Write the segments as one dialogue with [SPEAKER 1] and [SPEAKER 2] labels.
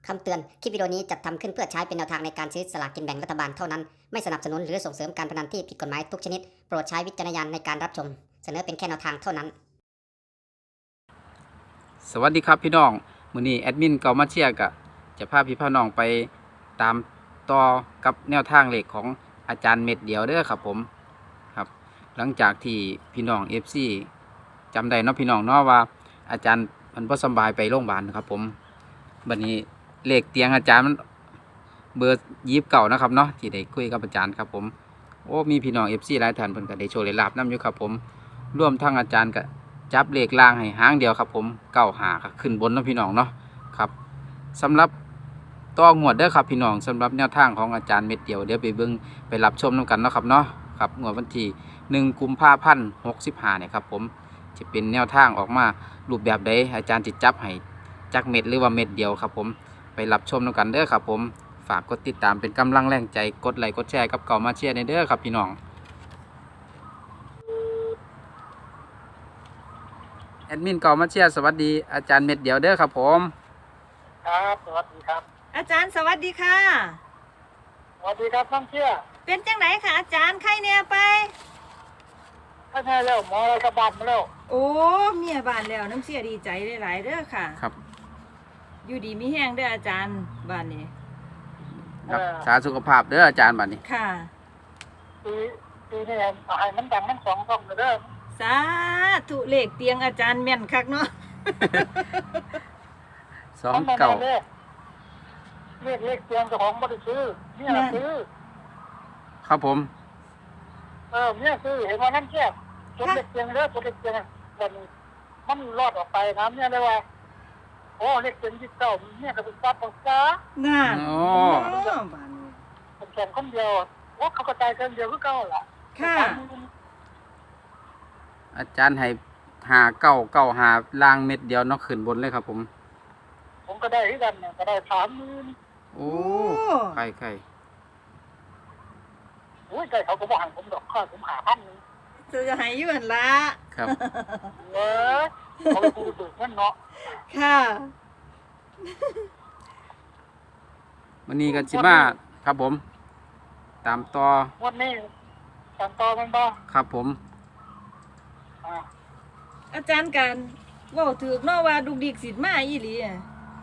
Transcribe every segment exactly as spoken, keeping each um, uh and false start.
[SPEAKER 1] คำเตือน คลิปวิดีโอนี้จัดทำขึ้นเพื่อใช้เป็นแนวทางในการซื้อสลากกินแบ่งรัฐบาลเท่านั้น ไม่สนับสนุนหรือส่งเสริมการพนันที่ผิดกฎหมายทุกชนิด โปรดใช้วิจารณญาณในการรับชม เสนอเป็นแค่แนวทางเท่านั้น
[SPEAKER 2] สวัสดีครับพี่น้องมื้อนี้แอดมินเก่ามาเชียร์กะจะพาพี่พ่อน้องไปตามต่อกับแนวทางเลขของอาจารย์เม็ดเดียวเด้อครับผมครับ หลังจากที่พี่น้อง เอฟ ซี จำได้เนาะพี่น้องเนาะว่าอาจารย์มันบ่สบายไปโรงพยาบาลครับผมบัดนี้เลขเตียงอาจารย์มันเบอร์ยี่สิบเก้านะครับเนาะที่ได้คุยกับอาจารย์ครับผมโอ้มีพี่น้อง เอฟ ซี หลายท่านเพิ่นก็ได้โชว์ได้ลาบนํอยู่ครับผมร่วมทั้งอาจารย์ก็จับเลขล่างให้หางเดียวครับผมเก้าหาขึ้นบนเนาะพี่น้องเนาะครับสำหรับต่องวดเด้อครับพี่น้องสำหรับแนวทางของอาจารย์เม็ดเดียวเดี๋ยวไปเบิ่งไปรับชมนํกันเนาะครับเนาะครับงวดวันที่หนึ่งกุมภาพันธ์หกสิบห้าเนี่ยครับผมจะเป็นแนวทางออกมารูปแบบใดอาจารย์จิจับให้จักเม็ดหรือว่าเม็ดเดียวครับผมไปรับชมนํกันเด้อครับผมฝากกดติดตามเป็นกำลังแรงใจกดไลค์กดแชร์กับเก่ามาเชียร์ในเด้อครับพี่น้องแอดมินเก่ามาเชียร์สวัสดีอาจารย์เม็ดเดียวเด้อครับผม
[SPEAKER 3] ครับสวัสดีครับ
[SPEAKER 4] อาจารย์สวัสดีค่ะ
[SPEAKER 3] สวัสดีครับท่านเชื่อ
[SPEAKER 4] เป็นจังไหนค่ะอาจารย์ไข้เนี่ยไป
[SPEAKER 3] ถ้าแน่แล้วหมออะไรกระบาดมาแล้ว
[SPEAKER 4] โอ้เมียบ้านแล้วน้ำเสียดีใจหลายๆเด้อค่ะ
[SPEAKER 2] ครับ
[SPEAKER 4] อยู่ดีมีแห้งเด้ออาจารย์บ้านนี้
[SPEAKER 2] รักษาสุขภาพเด้ออาจารย์บัดนี้
[SPEAKER 4] ค่ะ
[SPEAKER 3] ปีปีนี้เอาให้มันดังทั้งสองช่องเลยเด้อ
[SPEAKER 4] สาธุเลขเตียงอาจารย์แม่นคักเนาะ
[SPEAKER 2] สองเก่า
[SPEAKER 3] เลขเลขเลขเตียงเจ้าของบ่ได้ซื้อเนี่ยน่ะซื้อ
[SPEAKER 2] ครับผม
[SPEAKER 3] เออเนี่ยซื้อเห็นว่านั่นเชื่อจดเลขเตียงเด้อจดเลขเตียงมันมันรอดออกไปนะเนี่ยเลยว่าโอ้เลขเตียงยี่สิบเก้าเนี่ยก็เป็นซับของจ้า
[SPEAKER 4] น่า
[SPEAKER 2] โอ้
[SPEAKER 4] บ้านนี้
[SPEAKER 3] ผมแข่งคนเดียวว่าเขากระจายกันเดียวคือเก่าล่ะ
[SPEAKER 4] ค่ะ
[SPEAKER 2] อาจารย์ให้หาเก้าเก้าหาล่างเม็ดเดียวเนาะขึ้นบนเลยครับผม
[SPEAKER 3] ผมก็ได้ที่กันเนี่ยก็ได้สามหมื่น
[SPEAKER 2] โอ้ไข่ไข่
[SPEAKER 3] โอ้ยใจเขาก็บอกให้ผมดอกค่าผมหาพันนึง
[SPEAKER 4] จะให้อยู่หั่นละ
[SPEAKER 2] ครับ
[SPEAKER 3] เว้ยเขาไปกูเบิกเงินเนาะ
[SPEAKER 4] ค่ะ
[SPEAKER 2] วันนี้กันสิมาครับผม ตามต่อ
[SPEAKER 3] วันนี้ตามต่อมันบ่
[SPEAKER 2] ครับผม
[SPEAKER 3] อ่า
[SPEAKER 4] อาจารย์กันเว้าถูกเนาะว่าดุกดิกสิมาอีหลีอะ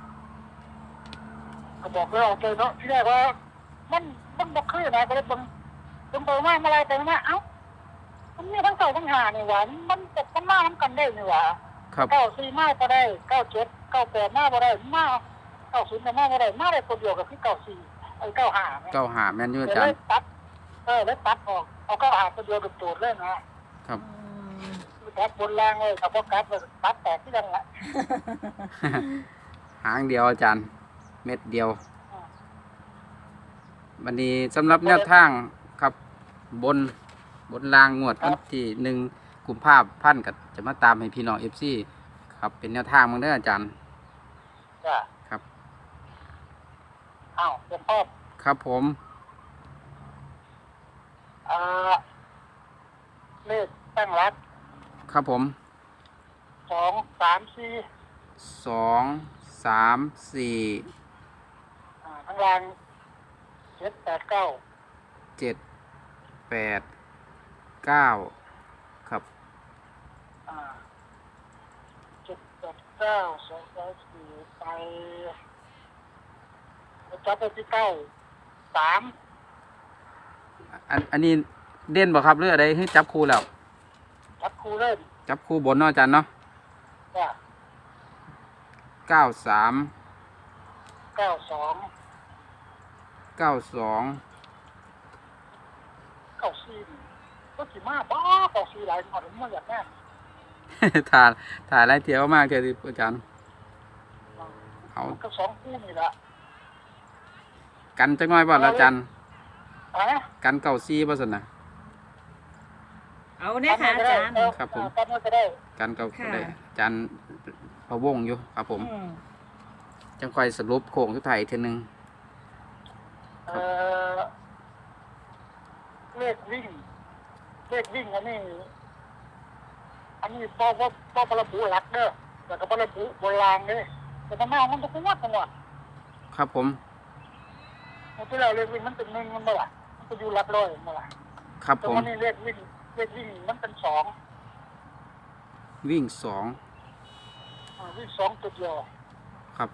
[SPEAKER 3] ก็บอกเลยเอาใจเนาะที่แรกว่ามันมันบ่คือนะก็เลยเบิ่งเบิ่งไปมาเมื่อไรไปมาเอ้ามันมีทั้งเก่าทั้งหานี่หว่ามันตกมันมาน้ำกันได้นี่หว่า
[SPEAKER 2] ครับ
[SPEAKER 3] เก้าสี่มาก็ได้เก้าเจ็ดเก้าแปดมาบ่ได้มาเก้าศูนย์ก็มาบ่ได้มาได้คนเดียวกับที่เก้าสี่ไอ้เก้าห้าเนี่ย
[SPEAKER 2] เก้าหาแม่นอยู่อา
[SPEAKER 3] เล
[SPEAKER 2] จาร
[SPEAKER 3] ย
[SPEAKER 2] ย์
[SPEAKER 3] ตัดเออเลยตัดออกเอาเก้าห้าคนเดียวกับโจทย์เลยนะครับ
[SPEAKER 4] อืม
[SPEAKER 3] ตัดบนล่างเลยกับพวกกัดเลยตัดแตกที่ดังละ
[SPEAKER 2] หางเดียวอาจารย์ เม็ดเดียววันนี้สำหรับแนวทางครับบนบนรางงวดวันที่หนึ่งกุมภาพันธ์ก็จะมาตามให้พี่น้องเอฟซีครับเป็นแนวทางมั้งเด้ออาจารย์
[SPEAKER 3] จ้ะ
[SPEAKER 2] ครับ
[SPEAKER 3] อ้าวเตรียมพร้อม
[SPEAKER 2] ครับผม
[SPEAKER 3] อ่าเลขตั้งรัก
[SPEAKER 2] ครับผม
[SPEAKER 3] สองสามสี่
[SPEAKER 2] สองสามสี่
[SPEAKER 3] อ่าข้างล่างเจ็ดแปดเก้า
[SPEAKER 2] เจ็ดแปดเก้าครับ
[SPEAKER 3] อ่าเจ็ดแปดเก้าสองสามสี่ไปจับไปที่เก้าสาม
[SPEAKER 2] อันอันนี้เด่นบ่ครับหรืออะไรให้จับคู่แล้ว
[SPEAKER 3] จับคู่เล่น
[SPEAKER 2] จับคู่บนเนาะอาจารย์เนาะ
[SPEAKER 3] จ้ะ
[SPEAKER 2] เก้าสาม
[SPEAKER 3] เก้าสอง
[SPEAKER 2] เก้าสอง
[SPEAKER 3] เก้าสี่ก็สิมาบ้าเก้าสี่หลายหมดผมไม่อยากแน่
[SPEAKER 2] ถ่ายถ่ายไรเที่ยวมากเลยอาจารย์เอา
[SPEAKER 3] ก็สองคู่นี่แหละ
[SPEAKER 2] กันจังน้อยบ่ล่ะอาจารย์
[SPEAKER 3] อ่ะ
[SPEAKER 2] กันเก้าซี่บ่ซั่นน่ะ
[SPEAKER 4] เอาเนี่ยค่ะอาจารย์
[SPEAKER 2] ครับผม
[SPEAKER 3] กันก็ได้
[SPEAKER 2] กันเก้า
[SPEAKER 4] ค่ะ
[SPEAKER 2] ได้อาจารย์พะวงอยู่ครับผม
[SPEAKER 4] อืม
[SPEAKER 2] จังค่อยสรุปโค้งสุดท้ายอีกทีหนึง
[SPEAKER 3] เอ่อเลขวิ่งเลขวิ่งอันนี้อันนี้พอพอพอประบุหลักเด้อแต่ก็ประบุโบราณเลยแต่ทำไมมันจะเป็นวัดจังหวะ
[SPEAKER 2] ครับผม
[SPEAKER 3] มันที่เราเรียกวิ่งมันเป็นหนึ่งมันบ่ล่ะมันจะอยู่หลักร้อยมันบ่ล่ะ
[SPEAKER 2] ครับ
[SPEAKER 3] แต่
[SPEAKER 2] ผม
[SPEAKER 3] วันนี้เรียกวิ่งเรียกวิ่งมันเป็นสอง
[SPEAKER 2] วิ่งสอง
[SPEAKER 3] อ่าวิ่งสองตัวเดียว
[SPEAKER 2] ครับ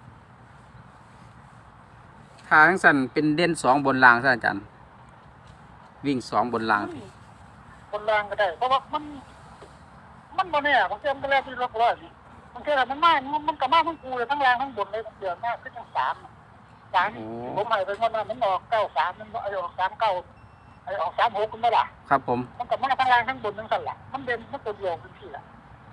[SPEAKER 2] ถ้าทั้งสั้นเป็นเด่นสองบนรางซะอาจารย์ วิ่งสองบนราง
[SPEAKER 3] คนล่างก็ได้เพราะว่ามัน มันบ่เนี่ยบางทีมันก็แล้วที่หลักร้อยนี่บางทีมันมามันมันก็มาทั้งกูเลยทั้งล่างทั้งบนเลยเดือนมากขึ้นทั้งสามสาม
[SPEAKER 2] โอ้
[SPEAKER 3] ผมให้ไปงวดนั้นมันออกเก้าสามมันไอ้ออกสามเก้าไอ้ออกสามหกกันบ่ล่ะ
[SPEAKER 2] ครับผม
[SPEAKER 3] มันก็มาทั้งล่างทั้งบนทั้งสั่นล่ะมันเด่นมันตัวเดียวเป็นที่ล่ะ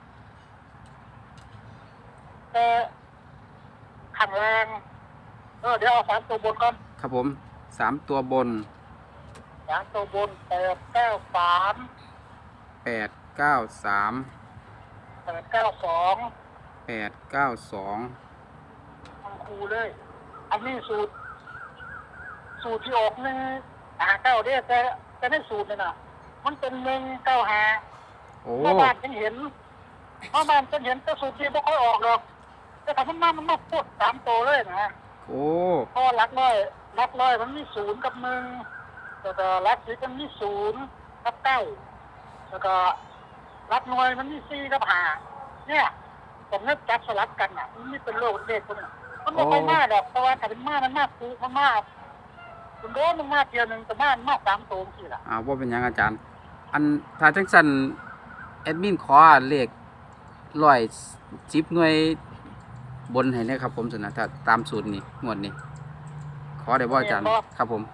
[SPEAKER 3] แต่ข้างล่างเออเดี๋ยวเอาสามตัวบนก่อน
[SPEAKER 2] ครับผมสามตัวบน
[SPEAKER 3] สามตัวบนแปดเก้าสาม
[SPEAKER 2] แปดเก้าสาม
[SPEAKER 3] แปดเก้าสอง
[SPEAKER 2] แปดเก้าสอง
[SPEAKER 3] ทั้งคู่เลย อันนี้สูตร สูตรที่ออกหนึ่งหาเก้าเด้แต่แต่ในสูตรเนี่ยนะมันเป็นหนึ่งเก้าหา
[SPEAKER 2] โอ้
[SPEAKER 3] เมื่อบ้านฉันเห็นเมื่อบ้านฉันเห็นแต่สูตรที่ไม่ค่อยออกหรอกแต่ถ้ามันมามันมาพูดสามตัวเลยนะ
[SPEAKER 2] โอ้
[SPEAKER 3] เพราะว่ารักร้อยรักร้อยมันมีศูนย์กับหนึ่งแล้วก็รักสิบมันมีศูนย์กับเก้าแล้วก็รักหน่วยมันมีสี่กับห้าเนี่ยผมนึกจับสลับกันอ่ะมันไม่เป็นโลกเด็กคนน่ะมันไม่ค่อยมากหรอกเพราะว่าถ้าเป็นมากมันมากคูมันมากคุณโดนมันมากเดียวหนึ่งแต่มากมากสามตัวสิล่ะ
[SPEAKER 2] อ่าว่าเป็นหยังอาจารย์ อันถ้าจังสันแอดมินขอเลขร้อยสิบหน่วยบนให้แนะครับผมสนะถ้าตามสูตรนี้งวดนี้ ขอได้บ่อาจารย์ ครับผม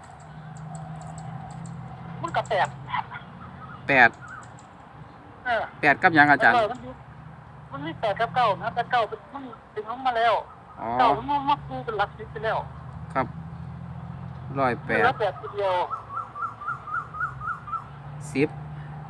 [SPEAKER 3] มันก็แปด
[SPEAKER 2] แปด
[SPEAKER 3] เออ
[SPEAKER 2] แปดกับหยังอาจารย์
[SPEAKER 3] มันมีมันมีแปดกับเก้านะแต่เก้าเป็นมันถึงลงมาแล้ว
[SPEAKER 2] อ๋อ
[SPEAKER 3] เก้ามันมาคูเป็นหลักสิบไปแล้ว
[SPEAKER 2] ครับร้อยแป
[SPEAKER 3] เหลื
[SPEAKER 2] ด
[SPEAKER 3] อแปดตัวเดียว
[SPEAKER 2] สิบ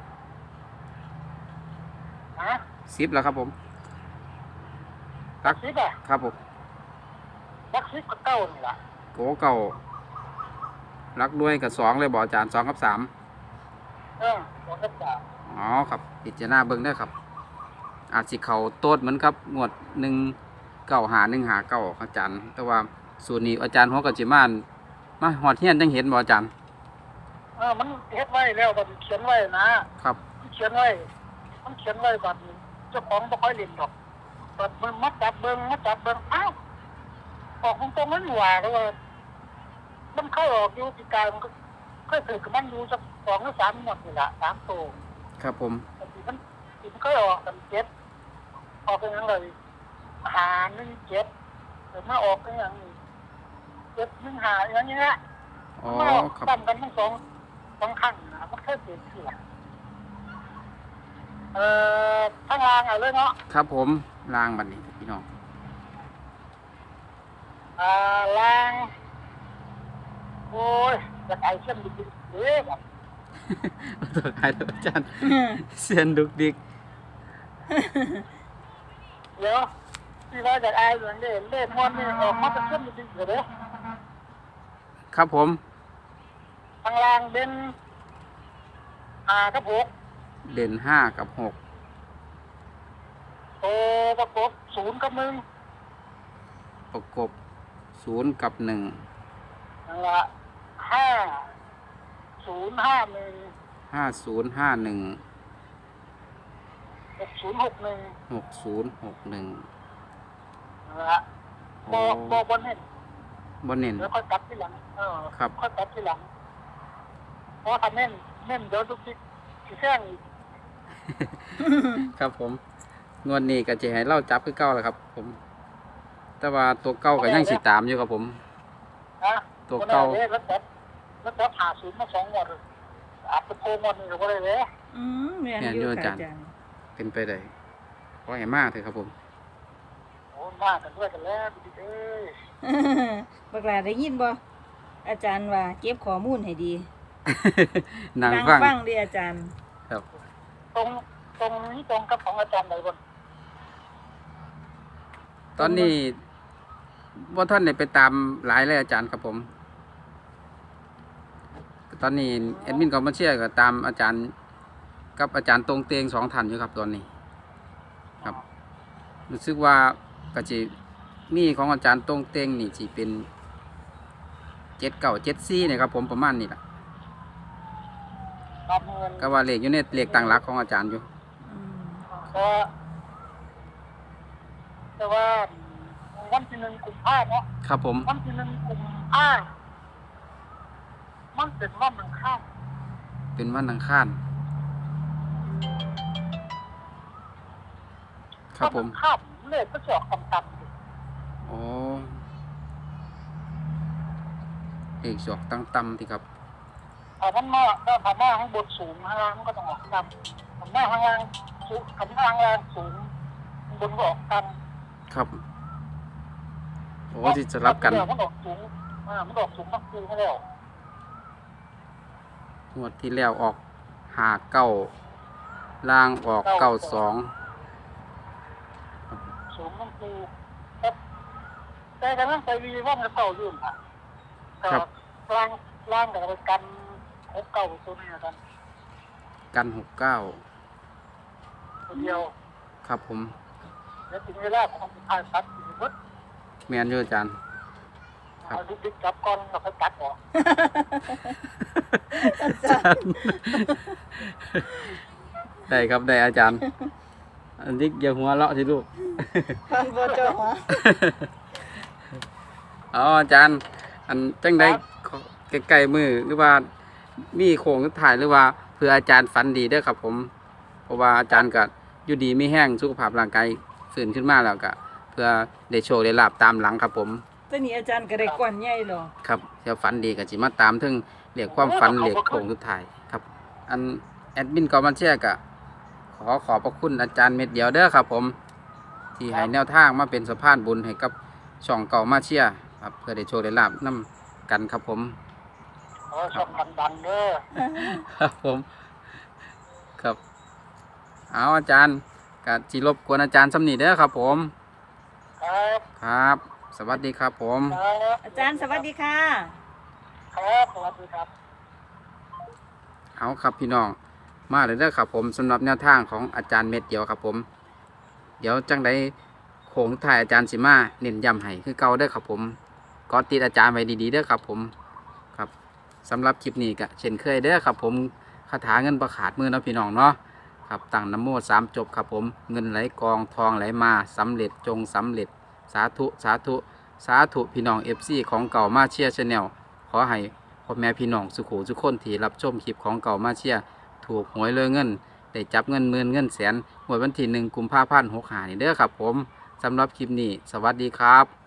[SPEAKER 3] ฮะ
[SPEAKER 2] สิบแล้วครับผม
[SPEAKER 3] หลักสิบอ่ะ
[SPEAKER 2] ครับผม
[SPEAKER 3] หลักสิบกับเก้านี่ล่ะ
[SPEAKER 2] โกเก่ารักด้วยกับสองเลยบอกอาจารย์สองกับสาม
[SPEAKER 3] เออสองกับสาม
[SPEAKER 2] อ๋อครับพิจารณาเบิ่งได้อครับ อาจสิเขาโต๊ดเหมือนกับงวดหนึ่งเก้าหาหนึ่งหาเก้าอาจารย์ แต่ว่าสูตรนี้อาจารย์หัวกะจิมานมาหอดเฮียนจังเห็นบ่อาจารย์
[SPEAKER 3] เออมันเฮ็ดไว้แล้วบัดนี้เขียนไว้นะครับ มันเขียนไว้มันเขียนไว้บัดนี้เจ้าของบ่ค่อยเล่นหรอกบัดมันมาจับเบิ่งมาจับเบิ่งอ้าวออกตรงๆนั้นหว่าแล้วว่ามันเข้าออกอยู่ปีกายมันก็เคยถือกับมันอยู่สักสองหรือสามงวดนี่ล่ะสามตัว
[SPEAKER 2] ครับผม
[SPEAKER 3] บางทีมันทีมันเคยออกกันเจ็ดออกเป็นยังไงหาหนึ่งเจ็ดหรือมาออกเป็นอย่างนี้เจ็ดหนึ่งหาอย่างเงี้ย
[SPEAKER 2] อ๋อ
[SPEAKER 3] มาออก
[SPEAKER 2] ครับ
[SPEAKER 3] ตั้งกันทั้งสองสองครั้งนะมันเคยเปลี่ยนทีละเอ่อข้างล่างเอาเลยเนาะ
[SPEAKER 2] ครับผมล่างบัดนี้พี่น้อง
[SPEAKER 3] อ่าล่างโอ้ยจะไอเช่นดิบๆเอ๊ะ
[SPEAKER 2] ตัวใครตัวอาจารย์เสียนดุกดิก
[SPEAKER 3] เดี๋ยวที่ว่าจะไอเหมือนเดิมเล่นมวนนี่ออกมาเป็นเช่นดิบๆเลย
[SPEAKER 2] ครับผม
[SPEAKER 3] ข้างล่างเป็นอ่าครับผม
[SPEAKER 2] เด่นห้ากับหก
[SPEAKER 3] โตประกบศูนย์กับหนึ่ง
[SPEAKER 2] ประกบศูนย์กับหนึ่ง
[SPEAKER 3] นั่นละห้าศูนย์ห้าหนึ่ง
[SPEAKER 2] ห้าศูนย์ห้าหนึ่ง
[SPEAKER 3] หกศูนย์หกหนึ่ง
[SPEAKER 2] หกศูนย์หกหนึ่ง
[SPEAKER 3] นั่นละบอบอบนเน้น
[SPEAKER 2] บนเน้น
[SPEAKER 3] แล้วค่อยกลับที่หลังเออ
[SPEAKER 2] ครับ
[SPEAKER 3] ค่อยกลับที่หลังเพราะถ้าเน้นเน้นเดี๋ยวทุกทีที่แท่งอีก
[SPEAKER 2] ครับผมงวดนี้ก็จะให้เล่าจับคือเก้าแหละครับ ผม แต่ว่าตัวเก้าก็ยังสิตามอยู่ครับผม
[SPEAKER 3] นะ
[SPEAKER 2] ตัวเก่า
[SPEAKER 3] วันนี้แล้วจับแล้วจับหาศูนย์มาสองงวดเลยอาจจะโพงวันนี้ก็ได้เลย
[SPEAKER 4] อืมแม่น
[SPEAKER 2] แม่น
[SPEAKER 4] อ
[SPEAKER 2] อยู่
[SPEAKER 4] ยู่
[SPEAKER 2] อา
[SPEAKER 4] ค่ะ
[SPEAKER 2] จารย์
[SPEAKER 4] อาจารย์
[SPEAKER 2] เป็นไปได้ขอให้มากเถอะครับผม
[SPEAKER 3] โอ้มากกันด้วยกันแล้วพี่เอ้ย
[SPEAKER 4] บักหลาได้ยินบ่อาจารย์ว่าเก็บข้อมูลให้ดี
[SPEAKER 2] นาง
[SPEAKER 4] นั่ง
[SPEAKER 2] ฟัง
[SPEAKER 4] ฟังเด้ออาจารย์
[SPEAKER 2] ครับ
[SPEAKER 3] ตรงตรงนี้ตรงกับของอาจารย์ไหนบน
[SPEAKER 2] ตอนนี้ว่าท่านเนี่ยไปตามหลายเลยอาจารย์ครับผม ตอนนี้แอดมินคอมมาเชียร์ก็ตามอาจารย์กับอาจารย์ตรงเตงสองท่านอยู่ครับตอนนี้ ครับรู้สึกว่าก็จะมีของอาจารย์ตรงเตงนี่สิเป็นเจ็ดเก้าเจ็ดสี่เนี่ยครับผมประมาณนี้แหละ
[SPEAKER 3] รับเงิน
[SPEAKER 2] ก็ว่าเลขอยู่ในเลขต่างหลักของอาจารย์อยู่
[SPEAKER 4] อืม
[SPEAKER 3] ก็แต่ว่าวันที่หนึ่งกุมภาเนาะ
[SPEAKER 2] ครับผม
[SPEAKER 3] วันที่หนึ่งกุมภามันเป็นวันอังคาร
[SPEAKER 2] เป็นวันอังคารครับผม
[SPEAKER 3] วันอังคารเลขก็จะออกต่ำๆอยู่
[SPEAKER 2] โอ้เลขสอกตั้งต่ำที่ครับ
[SPEAKER 3] ถ้ามันมาถ้าผ่านหน้าข้างบนสูงข้างล่างมันก็ต้องออกต่ำผ่านหน้าข้างล่างสูงผ่านหน้าข้างล่างสูงข้างบนก็ออกต่ำ
[SPEAKER 2] ครับโอ้ที่จะรับกัน
[SPEAKER 3] เดี๋ยวมันออกสูงอ่ามันออกสูงมากคือไม่แล้ว
[SPEAKER 2] งวดที่แล้วออกหาเก้าล่างออกเก้าสอง
[SPEAKER 3] สูงมันคือครับแต่กำลังไปวีว่ามันเก่าอยู่ค่ะแต่ล่างล่างกับไปกันหกเก่าตัวนี้กัน
[SPEAKER 2] กันหกเก้า
[SPEAKER 3] ตัวเดียว
[SPEAKER 2] ครับผม
[SPEAKER 3] แล้วถึงเวลาของทายตัดอีกนิด
[SPEAKER 2] แมนอยู่อาจารย์ ครับ
[SPEAKER 3] เอาลูกดิ๊กจับก้อนแล้วค่อยตัดออก
[SPEAKER 4] อาจารย์
[SPEAKER 2] ได้ครับได้อาจารย์ อันนี้อย่าหัวเราะสิลูก
[SPEAKER 4] ฟันบ่เจ้าหัว
[SPEAKER 2] อ๋ออาจารย์ อันจังได้ใกล้ๆมือหรือว่ามีโครงสุดท้ายหรือว่าเพื่ออาจารย์ฝันดีเด้อครับผม เพราะว่าอาจารย์ก็อยู่ดีไม่แห้งสุขภาพร่างกายฟื้นขึ้นมาแล้วก็เพื่อได้โชคได้ลาบตามหลังครับผม
[SPEAKER 4] แต่นี่อาจารย์ก็ได้ก่อนใหญ่หรอ
[SPEAKER 2] ครับเดี๋ยวฝันดีก็สิมาตามถึงเรียกความฝันเรียกโครงสุดท้ายครับ อันแอดมินกอมันเชียก็ขอขอบพระคุณอาจารย์เม็ดเดียวเด้อครับผม ที่ให้แนวทางมาเป็นสะพานบุญให้กับช่องเก่ามาเชียครับเพื่อได้โชคได้ลาบนํกันครับผม
[SPEAKER 3] ขอชมกันดันเด้อ
[SPEAKER 2] ครับผมครับเอาอาจารย์กะจิรบกวนอาจารย์สำนีเด้อครับผม
[SPEAKER 3] ครับ
[SPEAKER 2] ครับ สวัสดีครับผม
[SPEAKER 3] ครับ
[SPEAKER 4] อาจารย์สวัสดีค่ะ
[SPEAKER 3] ครับสวัสดีครับ
[SPEAKER 2] เอาครับพี่น้องมาเลยเด้อครับผมสำหรับแนวทางของอาจารย์เม็ดเดียวครับผม เดี๋ยวจังได้โค้งถ่ายอาจารย์สิมาเน้นย้ำให้คือเก่าเด้อครับผมกอติดอาจารย์ไว้ดีๆเด้อครับผมครับสำหรับคลิปนี้ก็เช่นเคยเด้อครับผมคาถาเงินประขาดมือเนาะพี่น้องเนาะครับตั้งนะโมสามจบครับผมเงินไหลกองทองไหลมาสำเร็จจงสำเร็จสาธุสาธุสาธุพี่น้องเอฟซีของเก่ามาเชียร์ชาแนลขอให้พ่อแม่พี่น้องสุขูทุกคนที่รับชมคลิปของเก่ามาเชียร์ถูกหวยเลยเงินได้จับเงินหมื่นเงินแสนหวยวันที่หนึ่งกุมภาพันธ์หกห้านี่เด้อครับผมสำหรับคลิปนี้สวัสดีครับ